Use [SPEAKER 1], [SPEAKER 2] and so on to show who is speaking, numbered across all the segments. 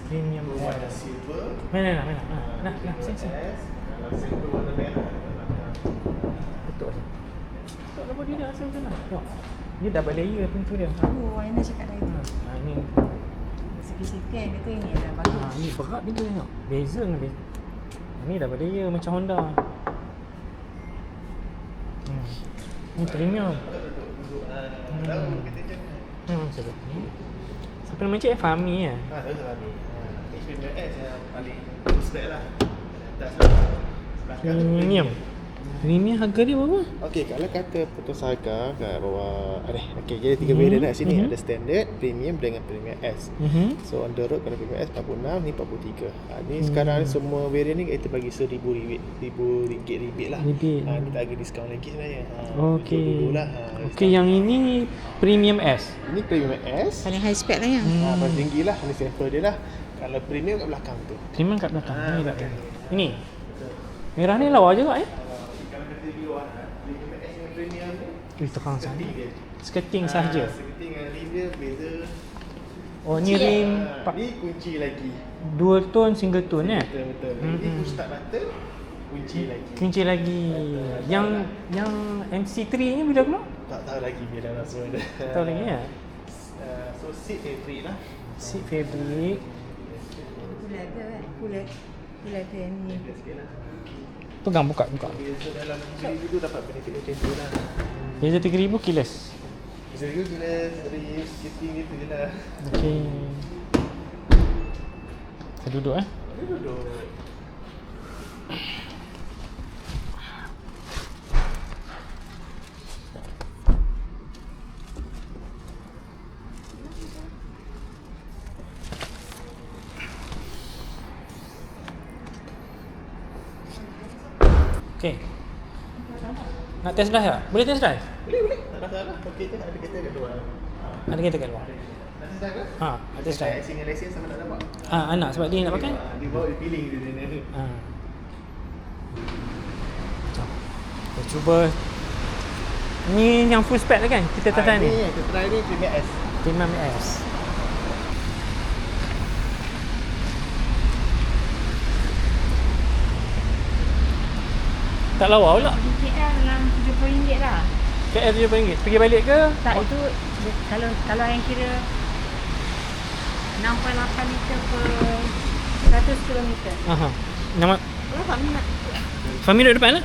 [SPEAKER 1] Premium
[SPEAKER 2] Ada silver.
[SPEAKER 1] Mana. Nah, sini.
[SPEAKER 2] Kalau silver warna merah.
[SPEAKER 1] Betul. Tak apa dia dah asal macam mana? Tengok. Dia double layer pintu dia.
[SPEAKER 3] Aina cakap tadi.
[SPEAKER 1] Ni.
[SPEAKER 3] Sikit-sikit kata ini dah bagus.
[SPEAKER 1] Ni berat dia tengok. Beza dengan dia. Ni double layer macam Honda. Ni premium. Sedap ni. Siapa nama cik? Fahmi ya?
[SPEAKER 2] Tahu Fahmi. Ni Premium S yang paling spek lah. Atas
[SPEAKER 1] Premium. Premium harga dia berapa?
[SPEAKER 2] Okey, kalau kata putus harga kat bawah okey, jadi 3 variant kat sini. Ada standard, premium dengan premium S. So on the road kalau premium S 46, ni 43. Ni sekarang semua variant ni kita bagi RM1,000 rebate lah. Ni tak ada diskaun lagi sebenarnya.
[SPEAKER 1] Okey.
[SPEAKER 2] Dululah.
[SPEAKER 1] Okey, yang ini premium S.
[SPEAKER 2] Ini premium S.
[SPEAKER 3] Paling high spec lah yang.
[SPEAKER 2] Paling tinggi lah, ni sampel dia lah. Kalau premium kat belakang tu.
[SPEAKER 1] Premium kat belakang. Ni tak. Ini. Merah ni lawa juga
[SPEAKER 2] Premium ni
[SPEAKER 1] terang sana. Skirting sahaja.
[SPEAKER 2] Skirting dengan rim dia beza.
[SPEAKER 1] Oh, ni rim
[SPEAKER 2] Ni kunci lagi.
[SPEAKER 1] dual tone single tone
[SPEAKER 2] Betul. Ini push start button, kunci lagi.
[SPEAKER 1] Kunci lagi. Yang MC3 ni bila keluar?
[SPEAKER 2] Tak tahu lagi bila langsung ada.
[SPEAKER 1] Tak tahu lagi ya.
[SPEAKER 2] So seat fabric lah.
[SPEAKER 1] Seat fabric.
[SPEAKER 3] Kulat ke kan? Kulat ke yang ni.
[SPEAKER 1] Pegang buka.
[SPEAKER 2] Biasa dalam RM3,000 tu dapat benefit macam tu lah.
[SPEAKER 1] Beza RM3,000 keyless.
[SPEAKER 2] Bisa juga bila rim skirting gitu je lah.
[SPEAKER 1] Okey. Saya duduk
[SPEAKER 2] Duduk.
[SPEAKER 1] Okey. Nak test drive tak? Boleh test drive?
[SPEAKER 2] Boleh. Tak masalah. Okey je. Ada kereta kat luar.
[SPEAKER 1] Ada kereta kat luar.
[SPEAKER 2] Nak test drive ke?
[SPEAKER 1] Nak test drive.
[SPEAKER 2] Single license sama nak dapat.
[SPEAKER 1] Anak sebab dia nak pakai.
[SPEAKER 2] Dia bawa dia pilih dia.
[SPEAKER 1] Kita cuba. Ni yang full spec lah kan? Kita test drive ni.
[SPEAKER 2] Kita try ni Premium S.
[SPEAKER 1] Premium S. Tak lawa pula.
[SPEAKER 3] KL dalam RM70 lah.
[SPEAKER 1] KL RM70. Pergi balik ke?
[SPEAKER 3] Tak, itu kalau yang kira 6.8 liter per 100 km.
[SPEAKER 1] Nama
[SPEAKER 3] Berapa minat?
[SPEAKER 1] Fahmi duduk depan lah.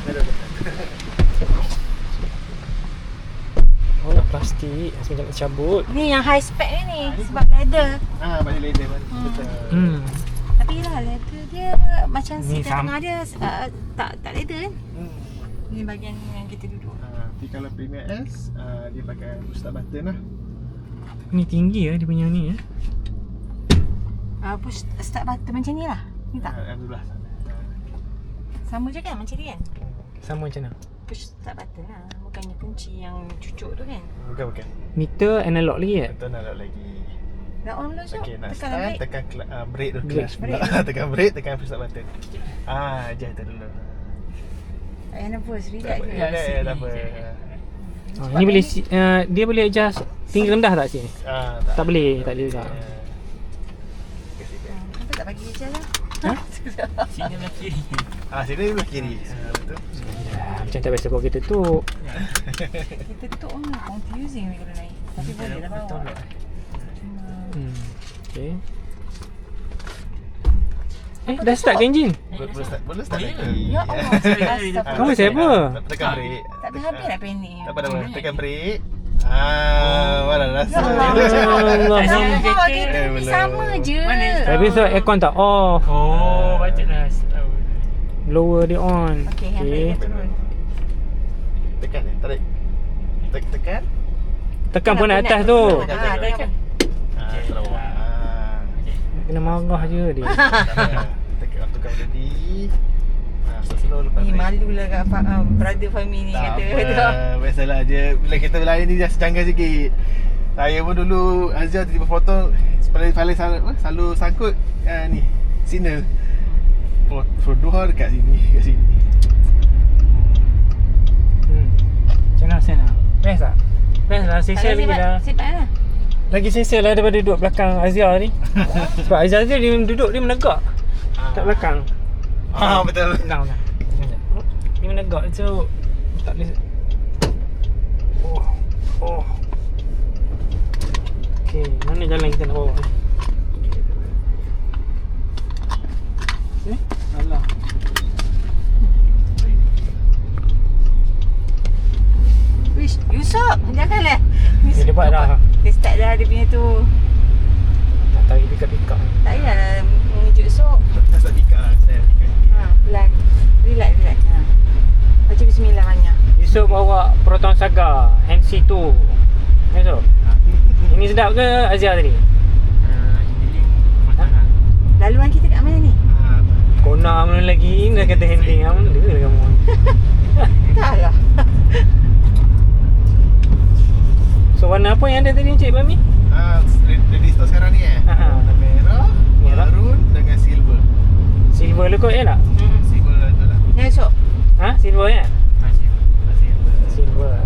[SPEAKER 1] Oh, nak plastik. Macam nak cabut.
[SPEAKER 3] Ni yang high spec ni sebab leather.
[SPEAKER 2] Balik leather betul.
[SPEAKER 3] Tapi lah leather dia macam
[SPEAKER 1] Ni
[SPEAKER 3] seat tengah dia tak leather kan. Ni bahagian yang kita duduk.
[SPEAKER 2] Tapi kalau Premium S dia pakai push start button lah.
[SPEAKER 1] Ni tinggi dia punya ni
[SPEAKER 3] Push start button macam ni lah. Ni tak?
[SPEAKER 2] Alhamdulillah.
[SPEAKER 3] Sama je kan macam ni kan?
[SPEAKER 1] sama macam mana?
[SPEAKER 3] Push start button lah. Bukannya kunci yang cucuk tu kan?
[SPEAKER 2] Bukan.
[SPEAKER 1] Meter analog lagi ya?
[SPEAKER 2] Betul nak lagi.
[SPEAKER 3] Dah on belum Syok?
[SPEAKER 2] Okey, nak
[SPEAKER 3] Tekan
[SPEAKER 2] start,
[SPEAKER 3] brake.
[SPEAKER 2] tekan brake tu
[SPEAKER 1] Brake.
[SPEAKER 2] clutch pula. Tekan brake, tekan push start button. Ajar tu dulu.
[SPEAKER 3] Tak payah nervous, relax je.
[SPEAKER 2] Tak apa.
[SPEAKER 1] Ni boleh dia boleh adjust tinggi rendah tak sini? Tak boleh juga.
[SPEAKER 3] Kenapa tak bagi je lah?
[SPEAKER 1] Sini belah kiri.
[SPEAKER 2] Sini belah kiri. Betul.
[SPEAKER 1] Macam tak biasa kalau kita tutup.
[SPEAKER 3] Kita tutup pun confusing kalau naik. Tapi boleh lah bawa.
[SPEAKER 1] Okay. Dah start ke enjin?
[SPEAKER 2] Boleh start lagi.
[SPEAKER 3] Ya Allah.
[SPEAKER 1] Kamu siapa?
[SPEAKER 2] Tekan brake.
[SPEAKER 3] Tak habis nak panik.
[SPEAKER 2] Tak apa. Tekan brake. Mana rasa.
[SPEAKER 3] Allah. Sama je.
[SPEAKER 1] Tapi so aircon tak off.
[SPEAKER 4] Oh, patutlah tahu.
[SPEAKER 1] Lower dia on.
[SPEAKER 3] Okey, handbrake turun.
[SPEAKER 2] Tekan tarik. Tekan.
[SPEAKER 1] Tekan pun atas tu.
[SPEAKER 3] Tekan.
[SPEAKER 2] Sarawak.
[SPEAKER 1] Kena marah je dia.
[SPEAKER 2] Tekan tukar body. Slow lepas
[SPEAKER 3] Ni
[SPEAKER 2] break.
[SPEAKER 3] malulah kat brother Fahmi ni
[SPEAKER 2] Tak
[SPEAKER 3] kata.
[SPEAKER 2] apa, biasalah je. Bila kita berlari ni dah secanggar sikit. Saya pun dulu Azhar tiba-tiba potong selalu sangkut ni signal. Produha dekat sini.
[SPEAKER 1] Macam mana sen lah? Best tak? Best lah, sesi lagi dah.
[SPEAKER 3] Siap lah.
[SPEAKER 4] Lagi selesa lah daripada duduk belakang Azia ni. Sebab Azia dia duduk, dia menegak kat belakang.
[SPEAKER 2] Betul.
[SPEAKER 4] Tenang. Dia menegak, so tak boleh. Oh. Okay, mana jalan kita nak bawa ni? Alah.
[SPEAKER 3] Wish, Yusof, janganlah.
[SPEAKER 4] Dia dapat dah.
[SPEAKER 3] Dia start dah dia punya tu.
[SPEAKER 4] Nak tarik pick-up.
[SPEAKER 3] Tak payah menunjuk Yusof.
[SPEAKER 2] Tak sebab tika lah.
[SPEAKER 3] Pelan. Relax. Baca bismillah banyak.
[SPEAKER 4] Yusof bawa Proton Saga NC2. Yusof. Ini sedap ke Azia tadi?
[SPEAKER 3] Laluan kita kat mana ni?
[SPEAKER 4] Kona mana lagi? Dah kata handling lah. Mana dia kamu?
[SPEAKER 3] Tak lah.
[SPEAKER 4] So warna apa yang ada tadi Encik Bami?
[SPEAKER 2] Ready store sekarang ni warna merah, maroon dengan silver.
[SPEAKER 4] Silver le kot ya tak?
[SPEAKER 2] Silver tu lah.
[SPEAKER 3] Ya Yusof.
[SPEAKER 4] Silver kan?
[SPEAKER 2] Silver.
[SPEAKER 4] Silver.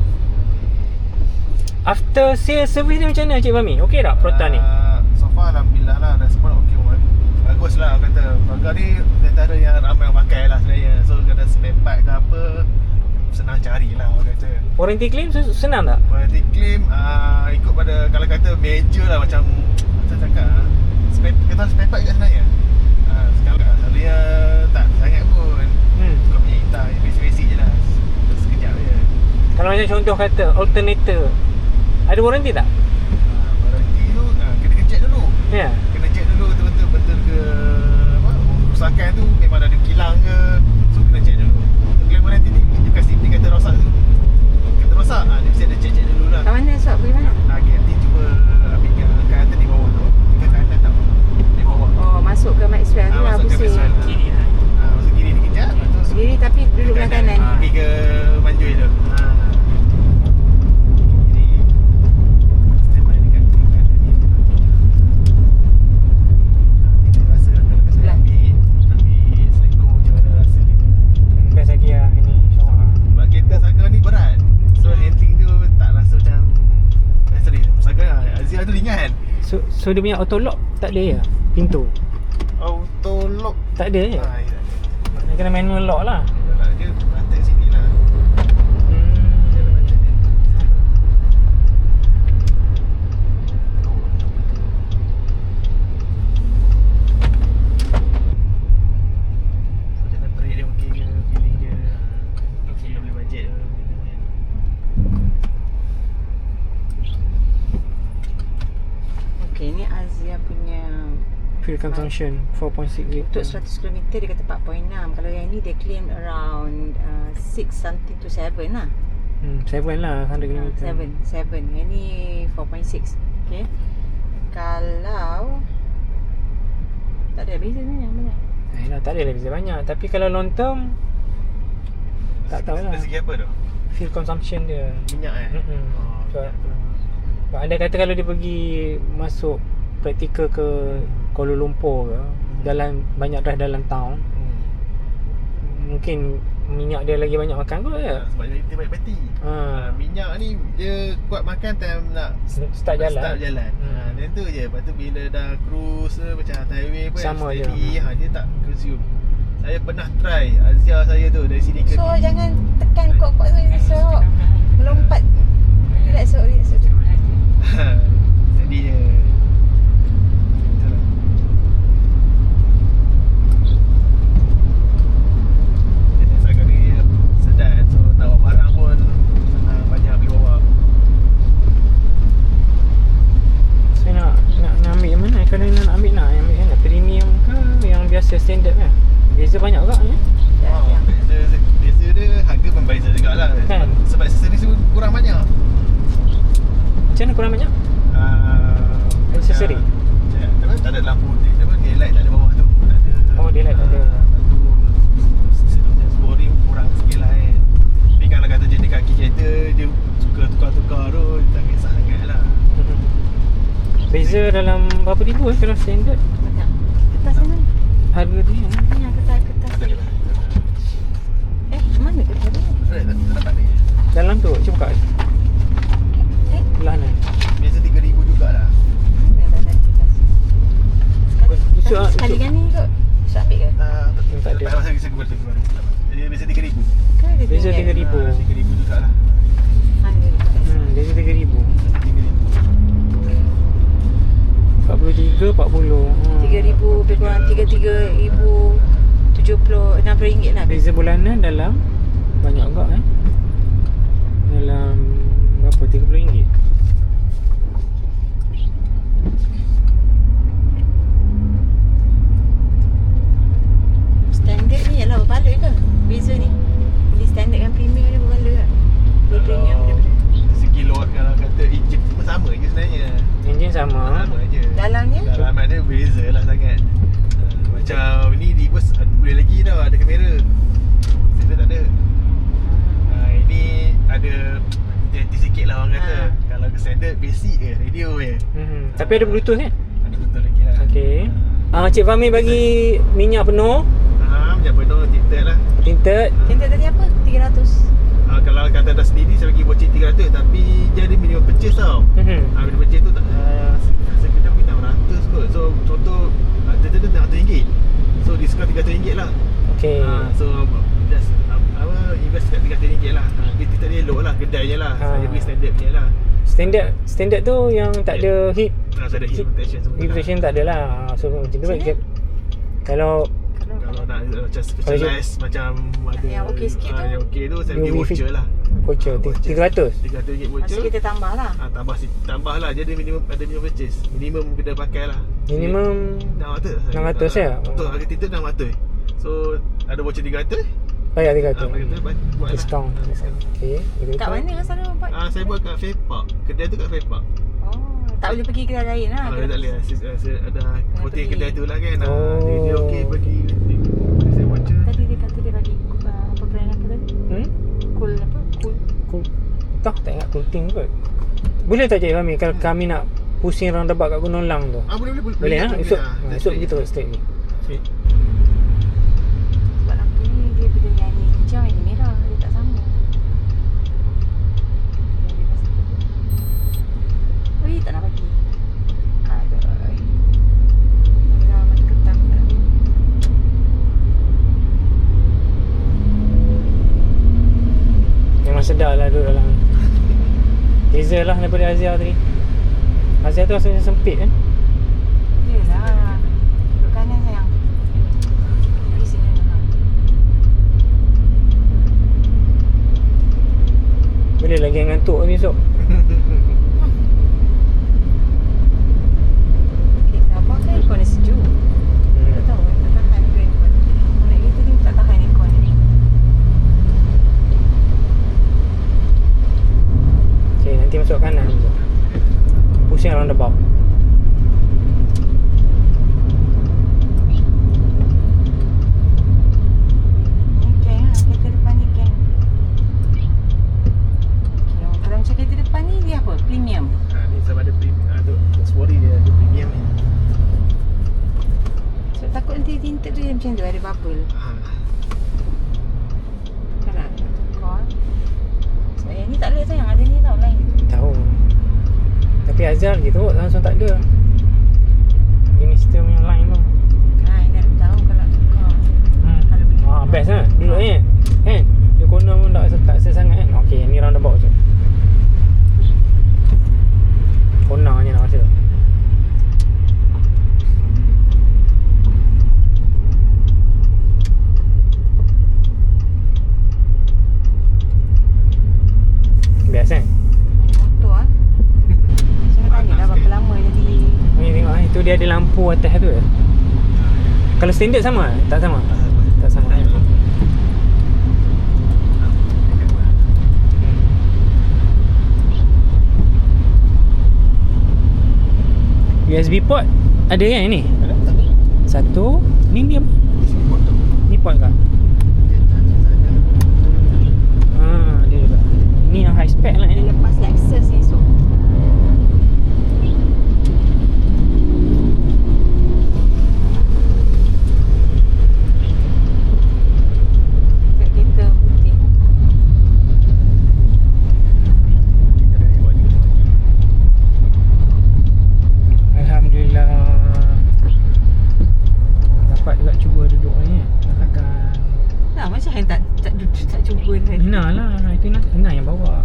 [SPEAKER 4] After sale service ni macam mana Encik Bami? Okey tak Proton ni?
[SPEAKER 2] So far alhamdulillah lah, respon okey. Bagus lah orang kata. Harga ni antara yang ramai orang pakai lah sebenarnya. So kena spare part ke apa, senang cari lah orang kata.
[SPEAKER 4] Warranty claim senang tak?
[SPEAKER 2] Warranty claim ikut pada, kalau kata major lah macam cakap kita spare part juga sebenarnya. Sekarang selalunya tak sangat pun. Kau punya hitam basic je lah. Sekejap je.
[SPEAKER 4] Kalau macam contoh kata alternator, ada warranty tak?
[SPEAKER 2] Warranty tu kena check dulu.
[SPEAKER 4] Ya.
[SPEAKER 2] Kena check dulu betul ke apa, kerusakan tu memang ada kilang ke. So kena check dulu. Untuk claim warranty ni dia kasi dia kata rosak tu. Kata rosak, dia mesti ada check dulu lah.
[SPEAKER 3] Kat mana Yusof? Pergi mana?
[SPEAKER 2] Okay, nanti cuba ambil yang kanan di bawah tu. Ke kanan tau. Di bawah.
[SPEAKER 3] Oh, masuk ke Maxwell tu lah
[SPEAKER 2] Masuk ke
[SPEAKER 3] pusing.
[SPEAKER 2] Maxwell. Kiri lah. Masuk kiri ni kejap. Lepas tu
[SPEAKER 3] Kiri tapi duduk belah kanan.
[SPEAKER 2] pergi ke Manjui tu. Kiri. Standby dekat kiri kanan ni. Nanti dia rasa kalau saya ambil selekong macam mana rasa dia.
[SPEAKER 4] Best lagi lah ini insyaAllah.
[SPEAKER 2] Sebab kereta Saga ni berat. So handling tu tak rasa macam sorry, Saga Azia tu ringan.
[SPEAKER 4] So dia punya auto lock tak ada ya? Pintu?
[SPEAKER 2] Auto lock
[SPEAKER 4] Tak ada je?
[SPEAKER 2] ya.
[SPEAKER 4] Dia kena manual lock lah.
[SPEAKER 2] Dia rantai sini lah. Dia ada rantai dia. So jalan break dia okey ke, feeling dia okey, boleh bajet ke.
[SPEAKER 3] Okey, ni Azia punya
[SPEAKER 4] Fuel consumption 4.6
[SPEAKER 3] untuk
[SPEAKER 4] liter.
[SPEAKER 3] 100 km dia kata 4.6. Kalau yang ni dia claim around 6 something to 7 lah.
[SPEAKER 4] 7 lah 100 km.
[SPEAKER 3] 7. Yang ni 4.6. Okay. Kalau tak ada beza ni yang banyak.
[SPEAKER 4] Tak ada lah beza banyak. Tapi kalau long term tak tahulah.
[SPEAKER 2] Dari segi apa tu?
[SPEAKER 4] Fuel consumption dia.
[SPEAKER 2] Minyak
[SPEAKER 4] Sebab anda kata kalau dia pergi masuk praktikal ke Kuala Lumpur ke, banyak drive dalam town, mungkin minyak dia lagi banyak makan kot ya.
[SPEAKER 2] Sebab dia baik peti. Minyak ni dia kuat makan time nak
[SPEAKER 4] Start jalan.
[SPEAKER 2] Dan tu je. Lepas tu bila dah cruise macam highway pun
[SPEAKER 4] Sama je.
[SPEAKER 2] dia tak consume. Saya pernah try Azia saya tu dari sini ke
[SPEAKER 3] So jangan tekan kuat-kuat tu so melompat. Relax.
[SPEAKER 2] Jadi je.
[SPEAKER 4] biasa standard kan. Beza banyak tak ni?
[SPEAKER 2] Beza dia harga pun beza jugalah
[SPEAKER 4] kan?
[SPEAKER 2] Sebab accessories tu kurang banyak.
[SPEAKER 4] Macam mana kurang banyak? Accessory?
[SPEAKER 2] Tak ada lampu daylight tak ada bawah tu. Tak ada.
[SPEAKER 4] Oh, daylight tak ada.
[SPEAKER 2] Sporing kurang sikit lah kan. Tapi kalau kata jenis kaki kereta dia suka tukar-tukar tu, tak kisah sangat lah.
[SPEAKER 4] Beza dalam berapa ribu kalau standard?
[SPEAKER 3] Banyak. Kertas sana.
[SPEAKER 4] Harga dia
[SPEAKER 3] Banyak kertas ni. Mana kertas ni?
[SPEAKER 2] Tak dapat ni.
[SPEAKER 4] dalam tu, cuba buka. Belah ni.
[SPEAKER 2] Biasa 3,000 jugalah.
[SPEAKER 4] So,
[SPEAKER 3] Sekali kan ni kot. So ambil ke?
[SPEAKER 4] tak ada.
[SPEAKER 2] Tak masa saya keluar lagi baru. Dia biasa 3,000.
[SPEAKER 3] Kan ada
[SPEAKER 4] Biasa
[SPEAKER 3] tinggal.
[SPEAKER 4] 3,000.
[SPEAKER 2] 3,000 juga lah.
[SPEAKER 4] Biasa 3,000. 43, 40.
[SPEAKER 3] 3,000 lebih kurang 3,370 ringgit lah.
[SPEAKER 4] Beza bulanan dalam banyak agak dalam berapa? RM30.
[SPEAKER 3] Standard ni ialah berbaloi ke? Beza ni. Beli standard dengan premium dia berbaloi ke? Beli premium daripada
[SPEAKER 2] Segi lot kalau kata enjin semua sama je sebenarnya.
[SPEAKER 4] Enjin sama.
[SPEAKER 2] Sama je.
[SPEAKER 3] dalamnya.
[SPEAKER 2] Dalaman dia beza lah sangat. Macam ni reverse boleh lagi tau, ada kamera. Standard tak ada. Ini ada hati-hati sikit lah orang kata. Kalau ke standard basic je, radio je.
[SPEAKER 4] Tapi ada Bluetooth kan?
[SPEAKER 2] Ada betul lagi lah.
[SPEAKER 4] Okey. Cik Fahmi bagi minyak penuh,
[SPEAKER 2] Macam penuh tinted lah.
[SPEAKER 4] tinted.
[SPEAKER 3] Tinted tadi apa? 300.
[SPEAKER 2] Kalau kata dah sendiri saya bagi voucher 300 tapi dia ada minimum purchase tau. Minimum purchase tu saya kena bagi 600 kot. So contoh tinted tu RM600. So diskaun RM300 lah.
[SPEAKER 4] Okey.
[SPEAKER 2] So just invest kat RM300 lah. Dia tinted dia elok lah, kedainya lah. Saya bagi standard punya lah.
[SPEAKER 4] Standard tu yang tak ada heat
[SPEAKER 2] Saya ada heat protection semua.
[SPEAKER 4] heat protection tak ada lah. So macam tu baik. Kalau
[SPEAKER 2] Kalau nak macam specialized macam ada
[SPEAKER 3] yang okey sikit tu.
[SPEAKER 2] yang okey tu saya bagi
[SPEAKER 4] UV
[SPEAKER 2] voucher lah.
[SPEAKER 4] voucher 300.
[SPEAKER 2] RM300 voucher.
[SPEAKER 3] Masa kita tambah lah.
[SPEAKER 2] Tambah lah. Jadi minimum purchase. Minimum kena pakai lah.
[SPEAKER 4] Minimum
[SPEAKER 2] 600
[SPEAKER 4] ya?
[SPEAKER 2] Betul, harga tinted 600. So ada voucher 300.
[SPEAKER 4] Bayar 300.
[SPEAKER 2] Buat
[SPEAKER 4] Discount.
[SPEAKER 2] lah.
[SPEAKER 4] Okey.
[SPEAKER 3] Kat mana sana buat?
[SPEAKER 2] Saya buat kat Fair Park. Kedai tu kat Fair Park.
[SPEAKER 3] Tak boleh pergi kedai lain lah.
[SPEAKER 2] Dia tak boleh lah. Saya ada voting
[SPEAKER 3] pergi.
[SPEAKER 2] kedai tu lah kan.
[SPEAKER 4] Oh.
[SPEAKER 2] Dia okey bagi saya voucher.
[SPEAKER 3] Tadi dia kata dia bagi apa brand apa tadi? Cool apa? Cool.
[SPEAKER 4] Tak ingat cooling kot. Boleh tak Cik Fahmi kalau kami nak pusing roundabout kat Gunung Lang tu?
[SPEAKER 2] Boleh
[SPEAKER 4] Boleh Esok kita straight ni.
[SPEAKER 3] Sebab lampu ni dia bila yang ni hijau yang ni merah. Dia tak sama. Oi, tak nak bagi. Aduh. Merah mata ketam tak nak bagi.
[SPEAKER 4] Memang sedar lah duduk dalam ni. Beza lah daripada Azia tadi. Azia tu rasanya sempit kan?
[SPEAKER 3] Yelah. Duduk kanan sayang. Pergi sini lah.
[SPEAKER 4] Boleh lagi yang ngantuk ni esok.
[SPEAKER 3] Kereta abang kan aircon dia sejuk. Tak tahu tak tahan ke aircon. Naik kereta ni tak tahan aircon ni.
[SPEAKER 4] Okay, nanti masuk kanan. Pusing roundabout.
[SPEAKER 3] Ni geng lah. Kereta depan ni geng. Okay, kalau macam kereta depan ni dia apa? Premium.
[SPEAKER 2] Ni sama ada Sporty dia ada premium ni.
[SPEAKER 3] So takut nanti tinted tu dia macam tu ada bubble. Kan nak tukar. Sebab yang ni tak boleh sayang. Ada ni tau lain.
[SPEAKER 4] Tahu. Tapi Azhar gitu langsung tak ada. Ini sistem yang lain tu.
[SPEAKER 3] Nak tahu kalau nak tukar. Kalau beli.
[SPEAKER 4] Best lah duduk ni kan. Dia corner pun tak sangat kan. Okey, ni roundabout tu. Corner je nak rasa. Biasa kan?
[SPEAKER 3] Motor ah. Saya tanya dah berapa lama jadi.
[SPEAKER 4] Ni tengok itu dia ada lampu atas tu. Kalau standard sama? Tak sama. Tak sama. USB port ada kan ni? Satu. Ni apa? Ni port kah? Dia juga. Ni yang high spec lah
[SPEAKER 3] Dia
[SPEAKER 4] ni.
[SPEAKER 3] lepas Lexus esok. Kat kereta putih.
[SPEAKER 4] Alhamdulillah. Tapi Ina yang bawa.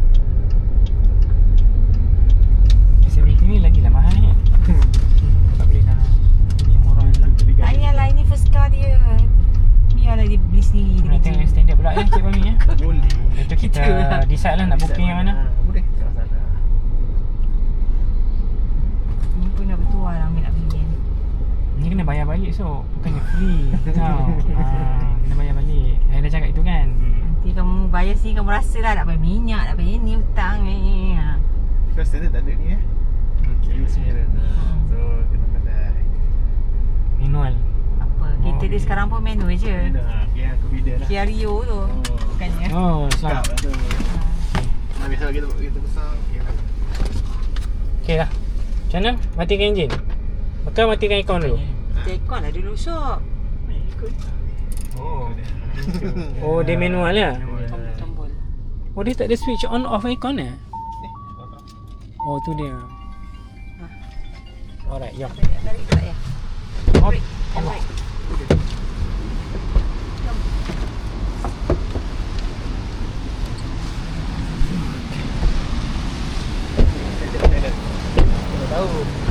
[SPEAKER 4] S70 ni lagi lah mahal kan. Tak boleh nak beli yang murah lah.
[SPEAKER 3] Tak payahlah, ini first car dia. Biarlah dia beli sendiri.
[SPEAKER 4] Nak
[SPEAKER 3] Dia
[SPEAKER 4] tengok yang
[SPEAKER 3] kerja.
[SPEAKER 4] standard pula ya Cik Bami ya.
[SPEAKER 2] Boleh.
[SPEAKER 4] Itu kita
[SPEAKER 3] Itulah.
[SPEAKER 4] decide lah nak booking yang mana.
[SPEAKER 2] Boleh. Tak masalah.
[SPEAKER 3] Ni pun dah bertuah lah ambil nak beli kan.
[SPEAKER 4] Ni kena bayar balik so bukannya free. Tau. Kena bayar balik. Saya dah cakap itu kan.
[SPEAKER 3] Nanti kamu bayar sini kamu rasa lah nak bayar minyak, nak bayar ni hutang ni. Ha.
[SPEAKER 2] Kau standard tak ada ni Use mirror. So kena pandai.
[SPEAKER 4] Manual.
[SPEAKER 3] Apa? Kereta dia sekarang pun manual je.
[SPEAKER 2] Okay, aku beda lah.
[SPEAKER 3] Kia Rio tu. Bukannya.
[SPEAKER 4] Oh,
[SPEAKER 2] Cakap
[SPEAKER 4] selamat.
[SPEAKER 2] lah tu. Nah, biasa kita besar.
[SPEAKER 4] Okey lah. Macam mana? Matikan enjin. Bakal matikan aircon dulu.
[SPEAKER 3] Tekon lah dulu shop.
[SPEAKER 2] Oh.
[SPEAKER 4] Oh, dia manual ya?
[SPEAKER 3] Tombol.
[SPEAKER 4] Oh, dia tak ada switch on off aircon eh? Oh, tu dia. Alright, jom.
[SPEAKER 3] Tarik tak ya?
[SPEAKER 4] Oh,
[SPEAKER 3] Allah.
[SPEAKER 2] Tahu.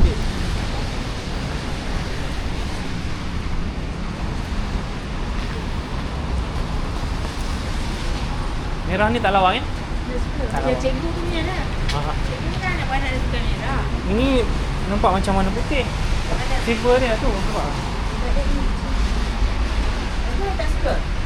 [SPEAKER 4] merah ni tak lawa kan?
[SPEAKER 3] Ya, cikgu punya lah.
[SPEAKER 4] Aha.
[SPEAKER 3] Cikgu kan nak buat ada suka merah.
[SPEAKER 4] Ini nampak macam warna putih.
[SPEAKER 3] Ada.
[SPEAKER 4] Silver dia tu, nampak?
[SPEAKER 3] Ada ni. Aku tak suka.